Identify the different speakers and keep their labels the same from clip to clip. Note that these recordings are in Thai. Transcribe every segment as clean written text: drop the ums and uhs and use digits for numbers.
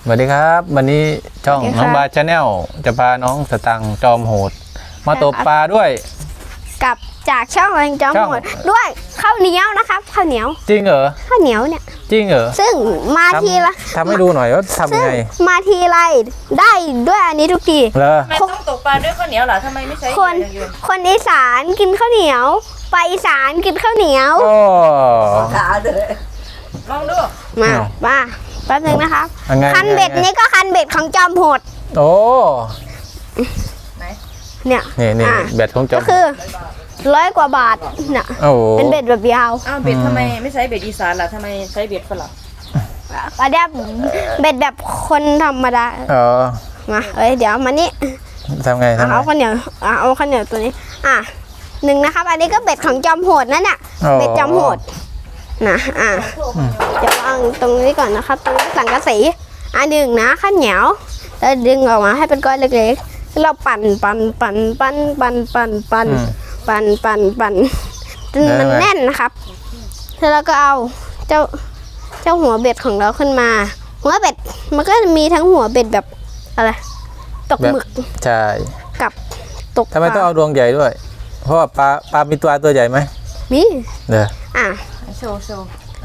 Speaker 1: สวัสดีครับวันนี้ช่องน้องบาชาแนลจะพาน้องสตังค์จอมโหดมาตกปลาด้วย
Speaker 2: กับจากช่องแรงจอมโหดด้วยข้าวเหนียวนะครับข้าวเหนียว
Speaker 1: จริงเหรอ
Speaker 2: ข้าวเหนียวเนี่ย
Speaker 1: จริงเหรอ
Speaker 2: ซึ่งมาทีละ
Speaker 1: ทำให้ดูหน่อยว่าทำยังไง
Speaker 2: มาทีไรได้ด้วยอันนี้ทุกที
Speaker 1: เหรอ
Speaker 3: ทำไมต้องตกปลาด้วยข้าวเหนียวเหรอทำไมไม่ใช้
Speaker 2: คนอีสานกินข้าวเหนียวไปอีสานกินข้าวเหนียว
Speaker 1: โอ้
Speaker 3: ขาเลยลองดู
Speaker 2: มาแป๊บนึงนะครับคันเบ็ดนี้ก็คันเบ็ดของจอมโหด
Speaker 1: โอ้
Speaker 2: ไหนเนี่ย
Speaker 1: นี่เบ็ดของจอม
Speaker 2: ก็คือ100 กว่าบาทเนี่ยเป็นเบ็ดแบบยาว
Speaker 3: อ้าวเบ็ดทำไมไม่ใช้เบ็ดอีสานล่ะทำไมใช้เบ็ดฝรั่ง
Speaker 2: อันนี้เบ็ดแบบคนธรรมดามาเดี๋ยวมานี่
Speaker 1: ทำไง
Speaker 2: เอาข้าวเหนียวเอาข้าวเหนียวตัวนี้หนึ่งนะครับอันนี้ก็เบ็ดของจอมโหดนั่นน่ะเบ็ดจอมโหดนะจะวางตรงนี้ก่อนนะครับตรงนี้สังกะสีหนึ่งนะข้าวเหนียวแล้วดึงออกมาให้เป็นก้อนเล็กๆเราปั่นจนมันแน่นนะครับแล้วเราก็เอาเจ้าหัวเบ็ดของเราขึ้นมาหัวเบ็ดมันก็มีทั้งหัวเบ็ดแบบอะไรตกหมึก
Speaker 1: ใช่
Speaker 2: กับตก
Speaker 1: ทำไมต้องเอาดวงใหญ่ด้วยเพราะว่าปลามีตัวใหญ่ไหม
Speaker 2: มี
Speaker 1: เด้อ
Speaker 3: โชว์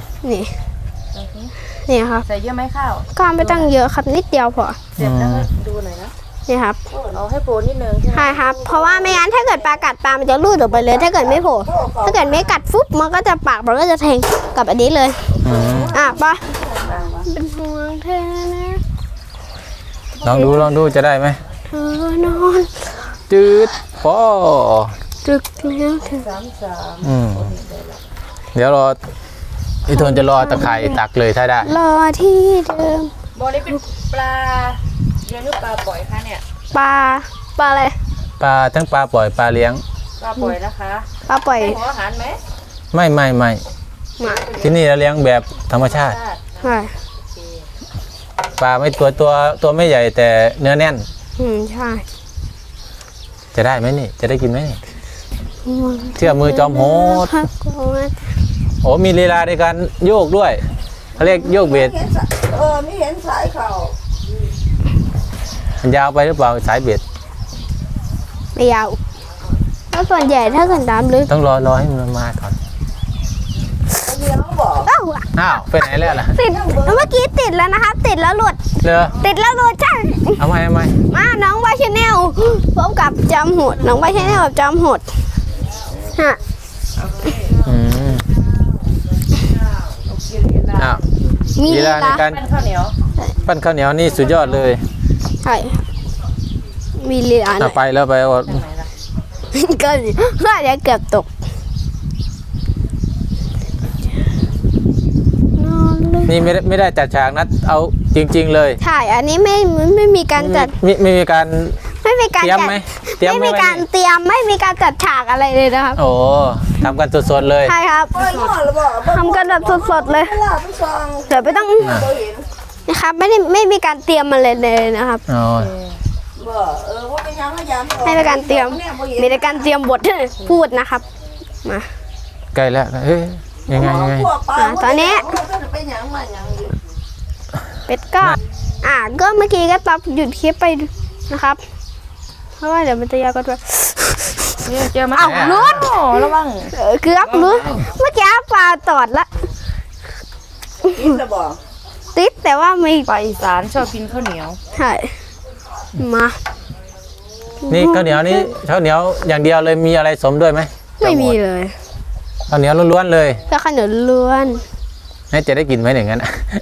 Speaker 2: นี่ครับ
Speaker 3: ใส่เยอะไหมข้าว
Speaker 2: ก็ไม่ต้องเยอะครับนิดเดียวพอ
Speaker 3: เสร็จแล้วดูหน่อยนะ
Speaker 2: นี่ครับ
Speaker 3: เอาให้โผล่นิดนึง
Speaker 2: ใช่ครับเพราะว่าไม่งั้นถ้าเกิดปลากัดปลามันจะลูดออกไปเลยถ้าเกิดไม่โผล่ถ้าเกิดไม่กัดฟุบมันก็จะปากมันก็จะแทงกับอันนี้เลยปะเป็นห่วงเธอนะ
Speaker 1: ลองดูจะได้ไหม
Speaker 2: เธอนอน
Speaker 1: จืดพอ
Speaker 2: ตึกแล้วเธอ
Speaker 1: เดี๋ยวรอพี่ทนจะรอตะไคร่ตักเลยถ้าได้
Speaker 2: รอที่เดิม
Speaker 3: บอลนี้เป็นปลาเลี้ยงหรือปลาปล่อยคะเนี่ย
Speaker 2: ปลาอะไร
Speaker 1: ปลาทั้งปลาปล่อยปลาเลี้ยง
Speaker 3: ปลาปล่อยนะคะ
Speaker 2: ปลาปล่อย
Speaker 3: หัวอาหารไหม
Speaker 1: ไม่ที่นี่เราเลี้ยงแบบธรรมชาติปลาไม่ตัวไม่ใหญ่แต่เนื้อแน่น
Speaker 2: ใช่
Speaker 1: จะได้ไหมนี่จะได้กินไหมนี่เชื่อมือจอมโหดโอ้มีลีลาในการโยกด้วยเขาเรียกโยกเบ็ด
Speaker 3: ไม่เห็นสายเข่า
Speaker 1: มันยาวไปหรือเปล่าสายเบ็ด
Speaker 2: ไม่ยาวแล้วส่วนใหญ่ถ้าเกิดน้ำลึก
Speaker 1: ต้องรอให้มันมาก่อนอ้าวไปไหนแล้วล่ะ
Speaker 2: ติดเมื่อกี้ติดแล้วนะครับติดแล้วหลุดติดแล้วหลุดใช่
Speaker 1: เอาไหม
Speaker 2: มาน้องวาชแนลพบกับจอมโหดน้องวาชแนลกับจอมโหด
Speaker 1: มีลีลาในการปั้นข้าวเหนียวนี่สุดยอดเลย
Speaker 2: ใช่มีลีลา
Speaker 1: ไปแล้วไปก็
Speaker 2: เดี๋ยวเกือบตก
Speaker 1: นี่ไม่ได้จัดฉากนัดเอาจริงๆเลย
Speaker 2: ใช่อันนี้ไม่มีการจัด
Speaker 1: ไม่มีการ
Speaker 2: เตรียมไหมไม่มีการเตรียมไม่มีการจัดฉากอะไรเลยนะครับ
Speaker 1: โอ้ทำกันสดๆเลย
Speaker 2: ใช่ครับทำกันแบบสดๆเลยเดี๋ยวไม่ต้องนะครับไม่มีการเตรียมมาเลยนะครับไม่มีการเตรียมมีแต่การเตรียมบทพูดนะครับมา
Speaker 1: ใกล้แล้วยังไง
Speaker 2: ตอนนี้เป็ดก็เมื่อกี้ก็ตับหยุดคลิปไปนะครับเพราะว่าเดี๋ยวมันจะยาวก็ด้วย
Speaker 3: เจอมา
Speaker 2: ลุ้น
Speaker 3: ระวัง
Speaker 2: เกือบลุ้นเมื่อกี้ปลาตอดละติดแต่ว่าไม่
Speaker 3: ปลาอีสานชอบกินข้าวเหนียว
Speaker 2: ใช่มา
Speaker 1: นี่ข้าวเหนียวนี่ข้าวเหนียวอย่างเดียวเลยมีอะไรสมด้วยไหม
Speaker 2: ไม่มีเลย
Speaker 1: ข้าวเหนียวล้วนๆเลย
Speaker 2: ก็ข้าวเหนียวล้วน
Speaker 1: นี่จะได้กินไหมอย่างนั้น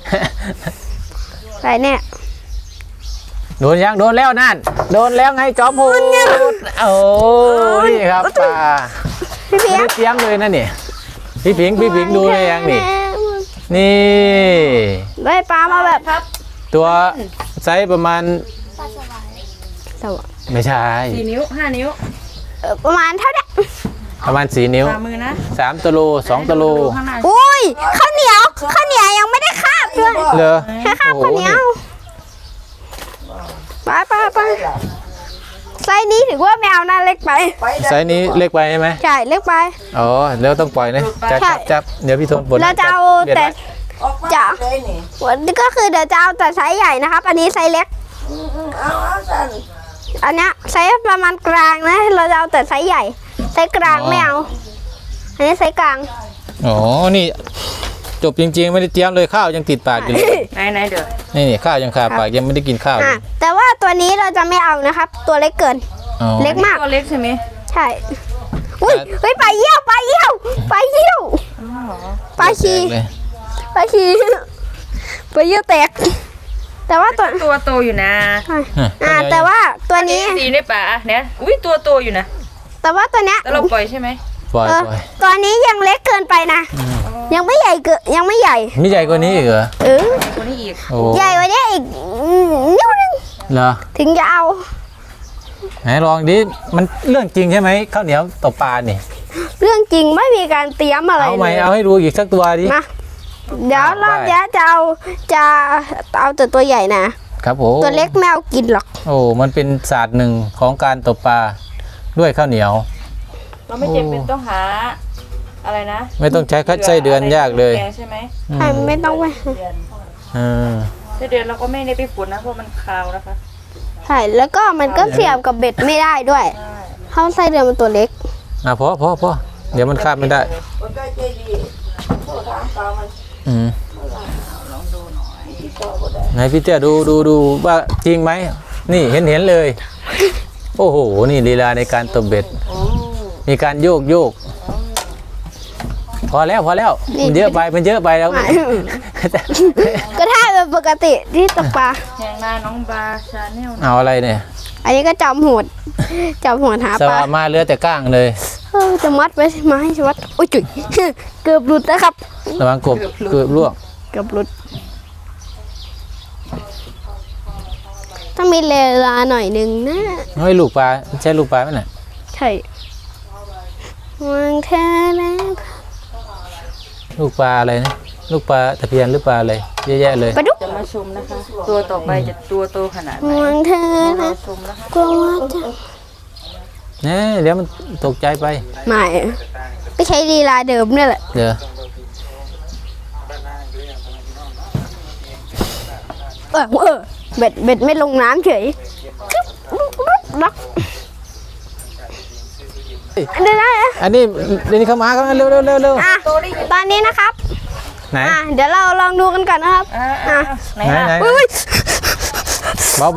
Speaker 2: ไรเนี่ย
Speaker 1: โดนแล้วนั่นโดนแล้วไงจอมโหดโอ้นี่ครับปลาไม่ได้เตรียมเลยนะนี่พี่ผิงดูเลยยังนี่
Speaker 2: ได้ปลามาแบบ
Speaker 1: ตัวไซส์ประมาณไม่ใช่
Speaker 3: 4 นิ้ว 5 นิ้ว
Speaker 2: ประมาณเท่านี้
Speaker 1: ประมาณ4 นิ้ว3 ตัวโล2 ตัวโล
Speaker 2: อุ้ยข้าวเหนียวยังไม่ได้คาบเลยแค่คาบข้าวเหนียวไปไซส์นี้ถือว่าแมวน่าเล็กไป
Speaker 1: ไซส์นี้เล็กไปใช่ไหม
Speaker 2: ใช่เล็กไป
Speaker 1: อ๋อแล้วต้องปล่อยนะจับเดี๋ยวพี่ทนปลด
Speaker 2: เราจะเอาแต่
Speaker 3: ออกมา
Speaker 2: จะ
Speaker 3: เลยนี่
Speaker 2: ก็คือเดี๋ยวจะเอาแต่ไซส์ใหญ่นะครับ อันนี้ไซส์เล็ก
Speaker 3: เอาสัน
Speaker 2: อันเนี้ยไซส์ประมาณกลางนะ เราจะเอาแต่ไซส์ใหญ่ ไซส์กลางไม่เอา อันนี้ไซส์กลาง
Speaker 1: อ๋อนี่จบจริงๆไม่ได้เตรียมเลยข้าวยังติดปากอยู่เลย
Speaker 3: ไหนเดี๋ยว
Speaker 1: นี่ข้าวยังคาปากยังไม่ได้กินข้าวเล
Speaker 2: อ่ะ
Speaker 1: ย
Speaker 2: แต่ว่าตัวนี้เราจะไม่เอานะครับ ตัวเล็กเกิน
Speaker 1: อ๋อ
Speaker 2: เล็กมาก
Speaker 3: ตัวเล็กใช่ไหม
Speaker 2: ใช่ อุ้ยเฮ้ยปลาเยี่ยวปลาเยี่ยวปลาเยี่ยวปลาชี
Speaker 1: เลย
Speaker 2: ปลาชีปลาเยี่ยวแตก แต่ว่าตัว
Speaker 3: ตัวโตอยู่นะ
Speaker 2: แต่ว่าตัวนี้
Speaker 3: สีในป่าเนี่ยอุ้ยตัวโตอยู่นะ
Speaker 2: แต่ว่าตัวเนี้ย
Speaker 3: แล้วเราปล่อยใช่ไหม
Speaker 1: ปล่อย
Speaker 2: เออ
Speaker 1: ปล่อย
Speaker 2: ตัวนี้ยังเล็กเกินไปนะ ยังไม่ใหญ่เกินยังไม่ใหญ่
Speaker 1: มีใหญ่กว่านี้อีกเหรอ
Speaker 2: เออ
Speaker 3: ตัวนี้อีก
Speaker 1: โอ้
Speaker 2: ใหญ่กว่านี้อีกนิ้วนึง
Speaker 1: เหรอ
Speaker 2: ถึงจะเอา
Speaker 1: ไหนลองดิมันเรื่องจริงใช่ไหมข้าวเหนียวตบปลานี่
Speaker 2: เรื่องจริงไม่มีการเตรียมอะไร
Speaker 1: เอาไหม
Speaker 2: เลย
Speaker 1: เอาให้ดูอีกสักตัวดิ
Speaker 2: นะเดี๋ยวรอบ
Speaker 1: ได้
Speaker 2: นี้จะเอาแต่ตัวใหญ่นะครับ
Speaker 1: ผม
Speaker 2: ตัวเล็กไม่เอากินหรอก
Speaker 1: โอ้มันเป็นศาสตร์หนึ่งของการตบปลาด้วยข้าวเหนียว
Speaker 3: เราไม่จำเป็นต้องหาอะไรนะ
Speaker 1: ไม่ต้องใช้ไส้เดือนยากเลย
Speaker 3: แกงใช่ไหม
Speaker 1: อืม
Speaker 2: ใช่ไม่ต้องไป
Speaker 1: เออ
Speaker 3: ไส้เดือนเราก็ไม่ได้ไปฝุ่นนะเพราะมันคาวนะคะ
Speaker 2: ใช่แล้วก็มันก็เสียบกับเบ็ดไม่ได้ด้วยเพราะไส้เดือนมันตัวเล็ก
Speaker 1: พอเดี๋ยวมันข้ามไม่ได้
Speaker 3: คนใกล้ใจดีโทรถามเปล่ามัน
Speaker 1: อืมไหนพี่เจ้าดูว่าจริงไหมนี่เห็นเลย โอ้โหนี่ลีลาในการตบเบ็ดมีการโยกพอแล้วมันเยอะไปแล้ว
Speaker 2: ก็ถ้าเป็นปกติที่ตกปลา
Speaker 3: แหงนาน้องบาชาแนล
Speaker 1: เอาอะไรเนี่ย
Speaker 2: อันนี้ก็จอมโหดหา
Speaker 1: ส
Speaker 2: ปลา
Speaker 1: วามาเหลือแต่ก้างเลย
Speaker 2: จะมัดไว้ไหมจะมัดโอ้ยจุ๋ยเกือบหลุดนะครับ
Speaker 1: ระวังกบเกือบล่วง
Speaker 2: เกือบหลุดต้องมีเวลาหน่อยหนึ่งนะ
Speaker 1: เฮ้ยลูกปลาใช่ลูกปลาไหมน่ะ
Speaker 2: ใช่วางเธอแล้ว
Speaker 1: ลูกปลาอะไรนะลูกปลาตะเพียนหรือปลาอะไรเยอะแยะเลย
Speaker 2: ปลาดุก
Speaker 3: จะมาชมนะคะ ตัวต่อไปจะตัวโตขนาดไหน
Speaker 2: วางเธอ
Speaker 3: เรา
Speaker 2: นะ
Speaker 3: ชมนะคะ
Speaker 2: กลัวว่าจะ
Speaker 1: เนี่ยเดี๋ยวมันตกใจไป
Speaker 2: ไม่ก็ใช้ลีลาเดิมนี่แหละ
Speaker 1: เดี๋ยว
Speaker 2: เบ็ดไม่ลงน้ำเฉยล็อกเดี๋ยวนะ
Speaker 1: อันนี้เดี๋ยวนี้เข้ามาเร็ว
Speaker 2: อ่ะตอนนี้นะครับ
Speaker 1: ไหน
Speaker 2: เดี๋ยวเราลองดูกันก่อนนะครับ
Speaker 3: ไหน
Speaker 1: ไหน
Speaker 3: ล่ะ
Speaker 2: อุ้ย
Speaker 1: เบา
Speaker 2: ห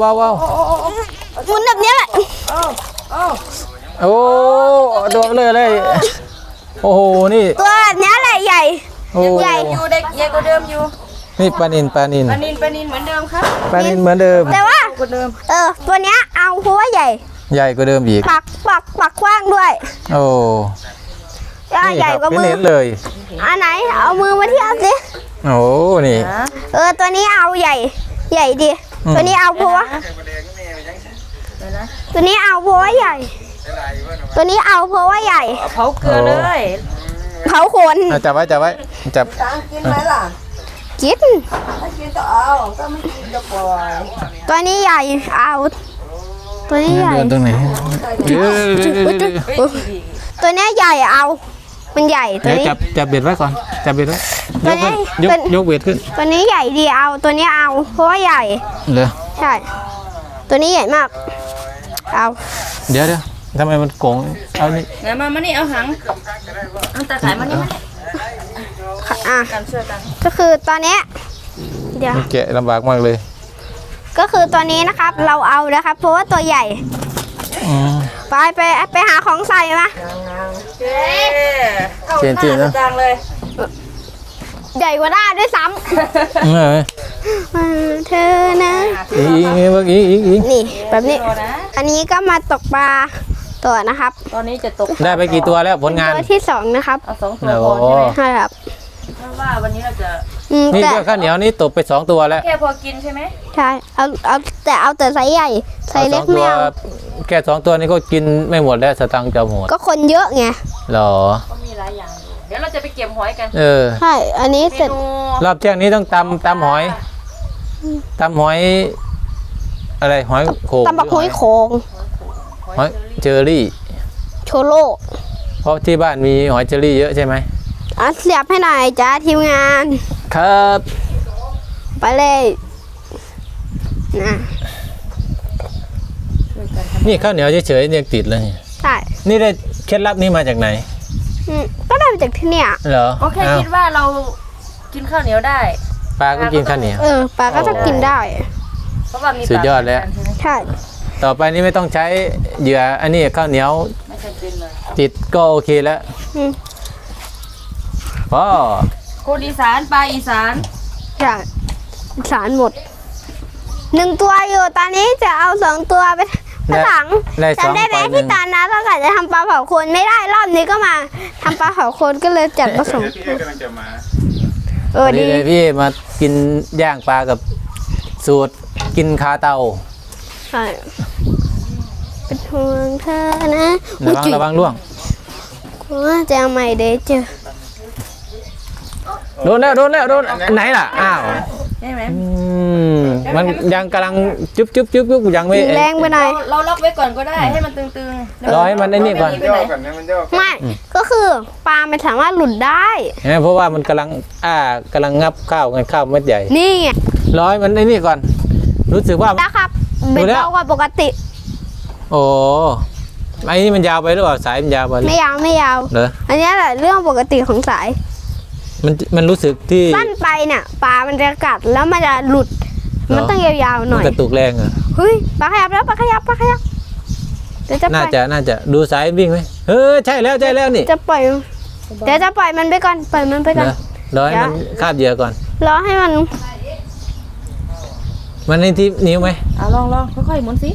Speaker 2: มุนแบบนี้แหละ
Speaker 1: โอ้โดนเลยโอ้โหนี่
Speaker 2: ตัวแบบนี้แหละใหญ่
Speaker 1: โอ้
Speaker 2: ใหญ่
Speaker 3: อยู่เด็กใหญ่กว่าเดิมอยู่
Speaker 1: นี่ปลานิน
Speaker 3: ปลานินเหมือนเดิมครับ
Speaker 1: เหมือนเดิม
Speaker 2: แต่ว่า
Speaker 3: กว่าเดิม
Speaker 2: ตัวเนี้ยเอาเพราะว่าใหญ่
Speaker 1: ใหญ่กว่าเดิมอีก
Speaker 2: ปักกว้างด้วย
Speaker 1: โอ้
Speaker 2: ใหญ่กว่ามื
Speaker 1: ไม่
Speaker 2: อ
Speaker 1: เห็นเลย
Speaker 2: อันไหนเอามือมาเทียบสิ
Speaker 1: โอ้นี่
Speaker 2: ตัวนี้เอาใหญ่ดี ตัวนี้เอาเพราะว่า
Speaker 3: เดี๋ยวนะ
Speaker 2: ตัวนี้เอาเพราะว่าใหญ่ ตัวนี้เอาเพราะว่าใหญ่
Speaker 3: เอาเผาเกลือเลย
Speaker 2: เผาขน
Speaker 1: จับไว้จับ
Speaker 3: กินไหมล่ะ
Speaker 2: กิน
Speaker 3: ถ้ากินก็เอาถ้าไม่กินก็ปล่อย
Speaker 2: ตัวนี้ใหญ่เอาตัวนี้ใหญ่
Speaker 1: เดินตรงไหนเดี๋ยว
Speaker 2: ตัวนี้ใหญ่เอา มันใหญ่ตัวนี้
Speaker 1: จับเบ็ดไว้ก่อนจับเบ็ดไว้
Speaker 2: ตัวนี้
Speaker 1: ยกเบ็ดขึ้น
Speaker 2: ตัวนี้ใหญ่ดีเอา ตัวนี้เอาเพราะว่าใหญ่
Speaker 1: เลย
Speaker 2: ใช่ ตัวนี้ใหญ่มาก เอา
Speaker 1: เดี๋ยวทำไมมันโกงเอานี่
Speaker 3: ไหนมานี่เอาหางเอาตาขายมานี่มา
Speaker 2: อ่ะ
Speaker 3: กันช่วยกัน
Speaker 2: ก็คือตอนนี้เดี๋ยว
Speaker 1: มันแกะลำบากมากเลย
Speaker 2: ก็คือตัวนี้นะครับ เราเอานะครับ เพราะว่าตัวใหญ่
Speaker 1: อืม
Speaker 2: ไปหาของใส่มา
Speaker 1: เจียนๆนะ
Speaker 3: จังเลย
Speaker 2: ใหญ่กว่าหน้าด้วยซ้
Speaker 1: เออ
Speaker 2: ำเธอนะ
Speaker 1: อีก
Speaker 2: นี่แบบนี้
Speaker 3: ตัวนะ
Speaker 2: อันนี้ก็มาตกปลาตัวนะครับ
Speaker 3: ตอนนี้จะตก
Speaker 1: ได้ไปกี่ตัวแล้วผลงาน
Speaker 2: ตัวที่2นะครับ
Speaker 3: เอา2 ตัวพอใช่ไหม
Speaker 2: ใช่ครับ
Speaker 3: เพราะว่าวันนี้เราจะ
Speaker 1: นี่
Speaker 2: แต่
Speaker 1: ก็ข้าวเหนียวนี่ตบไป2ตัวแล้ว
Speaker 3: แค่พอกินใช่ไหม
Speaker 2: ใช่เอาแต่ไซส์ใหญ่ไซส์เล็กไม่เอา
Speaker 1: แค่2ตัวนี้ก็กินไม่หมดแล้วสตังค์จะหมด
Speaker 2: ก็คนเยอะไง
Speaker 1: หรอ
Speaker 3: ก็มีหลายอย่างอยู่เดี๋ยวเราจะไปเก็บหอยกัน
Speaker 1: เออ
Speaker 2: ใช่อันนี้
Speaker 3: เม
Speaker 2: เสร็จ
Speaker 3: นู
Speaker 1: รอบเที่ยงนี้ต้องตำหอยอะไรหอยโขง
Speaker 2: ตำบักหุ้ยโขง
Speaker 1: หอยเจอรี่
Speaker 2: โชโล
Speaker 1: เพราะที่บ้านมีหอยเจอรี่เยอะใช่ไหม
Speaker 2: เสียบให้หน่อยจ้าทีมงาน
Speaker 3: อ
Speaker 1: ครับ
Speaker 2: ไปเลยนะ
Speaker 1: นี่ข้าวเหนียวเฉยๆเนี่ยติดเลย
Speaker 2: ใช่
Speaker 1: นี่ได้เคล็ดลับนี้มาจากไหน
Speaker 2: ก็ได้มาจากที่เนี่ย
Speaker 1: เหรอ
Speaker 3: โอเค
Speaker 1: อ้าว
Speaker 3: คิดว่าเรากินข้าวเหนียวได้
Speaker 1: ปลาก็กินข้าวเหนียว
Speaker 2: ปลาก็จะกินได้
Speaker 3: เพราะว่ามี
Speaker 1: สุดยอดแล้ว
Speaker 3: ปาเหมือนกันใช่ไหม
Speaker 2: ใช่
Speaker 1: ต่อไปนี้ไม่ต้องใช้เหยื่ออันนี้ข้าวเหนียว
Speaker 3: ไม่จำเป็นเลย
Speaker 1: ติดก็โอเคแล้ว
Speaker 2: อืม
Speaker 1: พ่อ
Speaker 3: คนอีสานปลาอีสาน
Speaker 2: ใช่สารหมด1 ตัวอยู่ตอนนี้จะเอา2 ตัวไปหลัง
Speaker 1: ได้สอง
Speaker 2: จำได้ไห
Speaker 1: ไป
Speaker 2: ม
Speaker 1: หนึ่
Speaker 2: พี่
Speaker 1: ง
Speaker 2: ตานะตั้งแต่จะทำปลาเผาโคนไม่ได้รอบนี้ก็มาทำปลาเผาโคนก็เลยจัดผสม
Speaker 4: พี่เอกำลังจะมา
Speaker 1: วันนี้
Speaker 2: ดี
Speaker 1: เลยพี่มากินย่างปลากับสูตรกินคาเตา
Speaker 2: ใช่เป็นห่วงเธอนะ
Speaker 1: ระวังล่วง
Speaker 2: ว่าจะเอาใหม่เดี๋ยวเจอ
Speaker 1: โดนแล้วโดนแล้วโดนไหนล่ะอ้าว
Speaker 3: ใช่ไหม
Speaker 1: มันยังกำลังจุ๊บยังไม่
Speaker 2: แรงไปหน่อย
Speaker 3: เราล็อกไว้ก่อนก็ได้ให้มันตึงๆ
Speaker 1: รอให้มันไอ้นี่ก่อน
Speaker 3: ไป
Speaker 4: ย่อ
Speaker 3: ไหน
Speaker 4: ก่อนนะมันย่อ
Speaker 2: ไม่ก็คือปลามันสามารถหลุดได้
Speaker 1: เห็นไหมเพราะว่ามันกำลังกำลังงับข้าวกันข้าวเม็ดใหญ่
Speaker 2: นี่ไง
Speaker 1: รอให้มันไอ้นี่ก่อน รู้สึกว่า
Speaker 2: นะครับเบ็ด
Speaker 1: ดูแล้ว
Speaker 2: เบากว่าปกติ
Speaker 1: โอ้ไอ้นี่มันยาวไปหรือเปล่าสายมันยาวไป
Speaker 2: ไม่ยาวไม่ยาว
Speaker 1: เหรอ
Speaker 2: อันนี้แหละเรื่องปกติของสาย
Speaker 1: มันรู้สึกที่
Speaker 2: สั้นไปเนี่ยปลามันจะกัดแล้วมันจะหลุด
Speaker 1: เหรอ
Speaker 2: มันต้องยาวๆหน่อย
Speaker 1: กระตุกแรงอ่ะ
Speaker 2: เฮ้ยปลาขยับแล้วปลาขยับเดี๋ยวจะป
Speaker 1: น่า
Speaker 2: ล่อย
Speaker 1: จะดูสายวิ่งไหมใช่แล้วนี่
Speaker 2: จะปล่อยเดี๋ยวจะปล่อยมันไปก่อนปล่อยมันไปก่อน
Speaker 1: นะรอให้มันคาบเหยื่อก่อน
Speaker 2: รอให้มัน
Speaker 1: มันในที่นิ้วไหม
Speaker 3: ลองค่อยๆหมุนสิ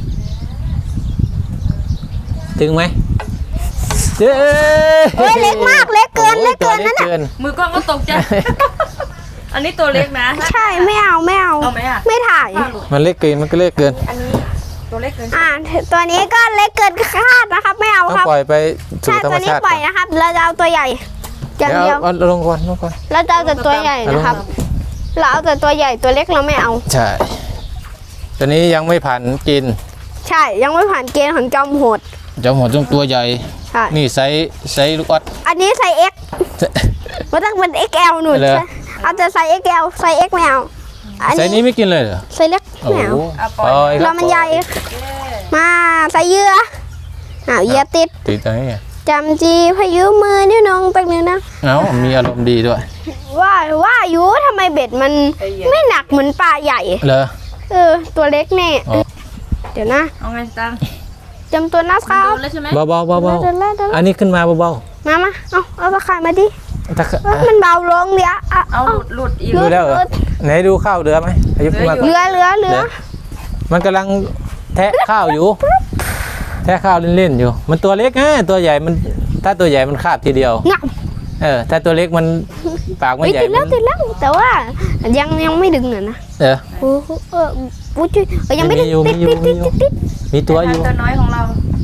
Speaker 1: ถึงไหมเจ้
Speaker 2: เฮ้ยเล็กมากเล็กเกินเล็กเกินนั่น
Speaker 1: เล็
Speaker 2: น่ะ
Speaker 1: เกิน
Speaker 3: มือกล้องก็ตกใจ อันนี้ตัวเล็กนะ
Speaker 2: ใช่ไม่เอา
Speaker 3: เอาไหมอ่ะ
Speaker 2: ไม่ถ่าย
Speaker 1: มันเล็กเกินมันก็เล็กเกิน
Speaker 3: อันนี้ตัวเล็กเกิน
Speaker 2: ตัวนี้ก็เล็กเกินคาดนะครับ ไม่เอา
Speaker 1: ต้อง
Speaker 2: ครับ
Speaker 1: ปล่อยไปสู่
Speaker 2: ใช่
Speaker 1: ธรร
Speaker 2: ตั
Speaker 1: ม
Speaker 2: วนี้
Speaker 1: ชาติ
Speaker 2: ปล่อยนะครับ เราจะเอาตัวใหญ่อย่าง
Speaker 1: เดี๋
Speaker 2: เดี
Speaker 1: ย
Speaker 2: ยว ว
Speaker 1: เอาลงก่อน
Speaker 2: เราจะเอาแต่ตัวใหญ่นะครับ เราเอาแต่ตัวใหญ่ตัวเล็กเราไม่เอา
Speaker 1: ใช่ตัวนี้ยังไม่ผ่านกิน
Speaker 2: ใช่ยังไม่ผ่านเกณฑ์ของจอมโหด
Speaker 1: จะหมดต้องตัวใหญ่
Speaker 2: ใช่
Speaker 1: นี่ไซส์ลูกออด
Speaker 2: อันนี้ไซส์ X มันต้องเป็น XL หนุน
Speaker 1: เหรอ
Speaker 2: เอาแต่ไซส์ XL ไซส์ X ไม่เอาอัน
Speaker 1: ไซส์นี้
Speaker 2: นี้
Speaker 1: ไม่กินเลยเหรอ
Speaker 2: ไซส์เล็ก
Speaker 1: โอ้
Speaker 2: ไม่
Speaker 1: โห
Speaker 2: เอา
Speaker 1: ปล่อยค
Speaker 2: เรา
Speaker 1: รับ
Speaker 2: มันใหญ่มาใส่เหยื่อเหยื่อติด
Speaker 1: ติดตรงนี้
Speaker 2: จำจีพายุมือนิ้วนองแป๊บนึงนะ
Speaker 1: เอ้ามีอารมณ์ดีด้วย
Speaker 2: ว่าอยู่ทำไมเบ็ดมันไม่หนักเหมือนปลาใหญ่
Speaker 1: เหรอ
Speaker 2: ตัวเล็กแน่
Speaker 1: อ๋อ
Speaker 2: เดี๋ยวนะ
Speaker 3: เอาไงตัง
Speaker 2: จำตัวนะครับ
Speaker 3: โดนแล้วใช่ไหม
Speaker 1: เบาๆ
Speaker 2: เดี๋ยวแล้ว
Speaker 1: อันนี้ขึ้นมาเบา
Speaker 2: มาเอาตะข่ายมาดิ
Speaker 1: ๆถ้า
Speaker 2: มันเบาลงเดี๋ยว
Speaker 3: เอาหลุดอีก
Speaker 1: ดูแล้วเหรอไหนดูข้าวเรือไหมอายุขึ้นมาก่อน
Speaker 2: เหลือ
Speaker 1: มันกำลังแทะข้าวอยู่ แทะข้าวเล่นๆอยู่ มันตัวเล็กตัวใหญ่มันถ้าตัวใหญ่มันคาบทีเดียว
Speaker 2: งับ
Speaker 1: ถ้าตัวเล็กมันปากมันใหญ่
Speaker 2: ติดแล้วแต่ว่ายังไม่ดึงนะ โอ้โหปุ๊จุยยังไม่ดึงติด
Speaker 1: มีตัวอยู่
Speaker 3: ตัวน้อยของเรา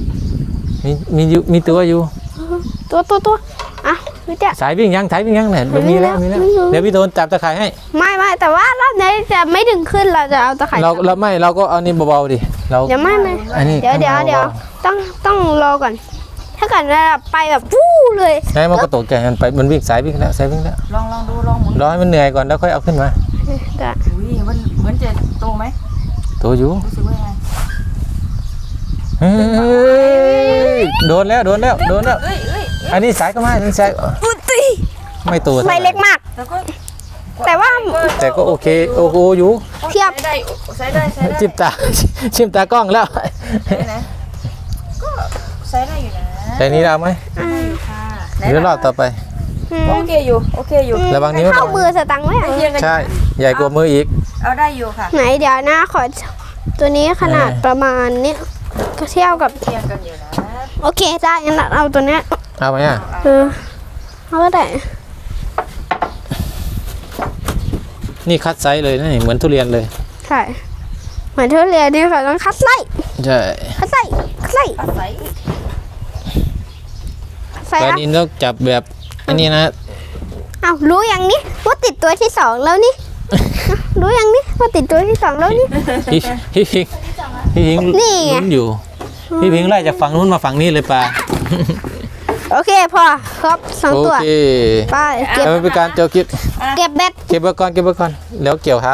Speaker 1: มีตัวอยู่
Speaker 2: ตัวอ่ะพี่เจ้า
Speaker 1: สายวิ่งยังเนี่ยมีแล้ว
Speaker 2: ไม่รู้
Speaker 1: เดี๋ยวพี่โดนจับตะข่ายให้
Speaker 2: ไม่แต่ว่ารอบนี้จะไม่ดึงขึ้นเราจะเอาตะข่าย
Speaker 1: เราก็เอานี่เบาๆดิเรา
Speaker 2: เดี๋ยวไม่
Speaker 1: อันนี้
Speaker 2: เดี๋ยวต้องรอก่อน ถ้าเกิดเราไปแบบฟู่เลย
Speaker 1: ไงมันก็ตกใจมันวิ่งสายวิ่งแล้ว
Speaker 3: ลองดูลองหมุน
Speaker 1: รอให้มันเหนื่อยก่อนแล้วค่อยเอาขึ้นมา
Speaker 3: อุ้ยมันเหมือนจะโตไหม
Speaker 1: ตัวอยู่
Speaker 3: รู้สึกว่าไง
Speaker 1: เฮ้ยโดนแล้ว
Speaker 3: เอ้ย
Speaker 1: อันนี้สายก็มาอันนี้สาย
Speaker 2: ปุ๊ติ
Speaker 1: ไม่ตัว
Speaker 2: ไม่เล็กมาก
Speaker 3: แล้วก็
Speaker 2: แต่ว่า
Speaker 1: แต่ก็โอเคโอ้โหอยู่
Speaker 2: เทียบ
Speaker 3: ใช้ได้
Speaker 1: ชิมตากล้องแล้ว
Speaker 3: นะก็ใช้ได้อยู่นะ
Speaker 1: แต่นี้เราไหม
Speaker 3: ค่ะ
Speaker 1: หรือรอบต่อไป
Speaker 3: โอเคอยู่
Speaker 1: ระวังนิ้ว
Speaker 2: เข้ามือสตังค์ไหม
Speaker 3: เทียงกัน
Speaker 1: ใช่ใหญ่กว่ามืออีก
Speaker 3: เอาได้อยู่ค่ะ
Speaker 2: ไหนเดี๋ยวนะขอตัวนี้ขนาดประมาณนี้ก็เทียบกับ
Speaker 3: เทียงกันอยู่นะ
Speaker 2: โอเคได้งั้นเอาตัวเนี้ย
Speaker 1: เอาไหมอ่ะ
Speaker 2: เอาก็ได้
Speaker 1: นี่คัดไซส์เลยนะนี่เหมือนทุเรียนเลย
Speaker 2: ใช่เหมือนทุเรียนนี่ค่ะต้องคัดไส้
Speaker 1: ใช่
Speaker 2: คัดไส้
Speaker 3: อาศัย
Speaker 2: ใส่
Speaker 1: แต่
Speaker 2: อะ
Speaker 1: นี่ต้องจับแบบอันนี้นะ
Speaker 2: อ้าวรู้อย่างนี้ว่าติดตัวที่สองแล้วนี่ รู้อย่างนี้ว่าติดตัวที่สองแล้วนี่
Speaker 1: พี่พิง
Speaker 2: นี่ไง
Speaker 1: ลุ้นอยู่พี่พิงไล่จากฝั่งนู้นมาฝั่งนี้เลยปลา
Speaker 2: โอเคพอครบสอง
Speaker 1: โอ
Speaker 2: ตัว
Speaker 1: เค
Speaker 2: ไปเก็บ
Speaker 1: แล้วมันเป็นการเจียวคิด
Speaker 2: เก็บเบ็ด
Speaker 1: เก็บไว้ก่อนเก็บไว้ก่อนแล้วเกี่ยวเท้า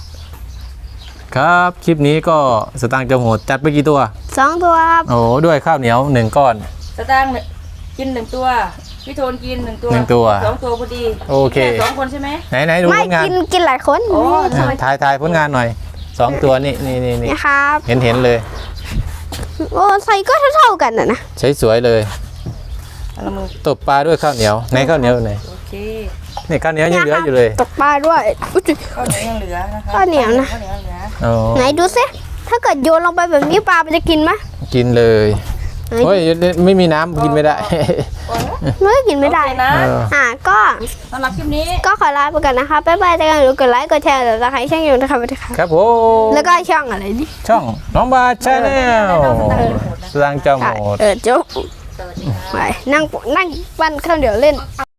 Speaker 1: ครับคลิปนี้ก็สตางค์จอมโหดจัดไปกี่ตัว
Speaker 2: 2 ตัวครับ
Speaker 1: โอ้ด้วยข้าวเหนียว1ก้อน
Speaker 3: สตางค์กิน1 ตัวพี่โทนกิน1 ตัว
Speaker 1: 1 ตัว
Speaker 3: 2 ตัวพอดี
Speaker 1: โอเค
Speaker 3: แค่2 คนใช่ไหม
Speaker 1: ไหนดู
Speaker 2: ไม่
Speaker 1: ผลงาน
Speaker 2: กินหลายคน
Speaker 3: โอ้
Speaker 1: ถ่ายผลงานหน่อย2 ตัวนี่
Speaker 2: นี่ครับ
Speaker 1: เห็นเลย
Speaker 2: โอ้ใส่ก็เท่าๆกันนะ
Speaker 1: ใช้สวยเลย
Speaker 3: เอาละมือ
Speaker 1: ตบปลาด้วยข้าวเหนียวในข้าวเหนียวอยู่ไหน
Speaker 3: โอเค
Speaker 1: นี่ข้าวเหนียวยังเหลืออยู่เลย
Speaker 2: ตกปลาด้วยอุ๊ย
Speaker 3: ข้าวเหนียวยังเหลือนะคะ
Speaker 2: ข้าวเหนียวนะ
Speaker 3: ข้าวเหนียวเหลือ
Speaker 1: โอ้
Speaker 2: ไหนดูสิถ้าเกิดโยนลงไปแบบนี้ปลามันจะกินไหม
Speaker 1: กินเลย
Speaker 2: ไหน
Speaker 1: โอ้ยไม่มีน้ำกินไม่ได้
Speaker 2: ไม่กินไม่ได้
Speaker 3: โอเคนะ
Speaker 2: ก็
Speaker 3: สำหรับคลิปนี้
Speaker 2: ก็ขอลาไปก่อนนะคะบ๊ายบายเจอกันหรือกดไลค์กดแชร์หรือจะใครช่างอยู่นะคะสวัสดีค่ะ
Speaker 1: ครับผม
Speaker 2: แล้วก็ช่องอะไรดิ
Speaker 1: ช่องน้องบาชาแนลสตางค์จอมโหด
Speaker 2: โจ๊ก
Speaker 3: สวัสดีค่ะ
Speaker 2: ไปนั่งปั้นข้าวเหนียวเล่น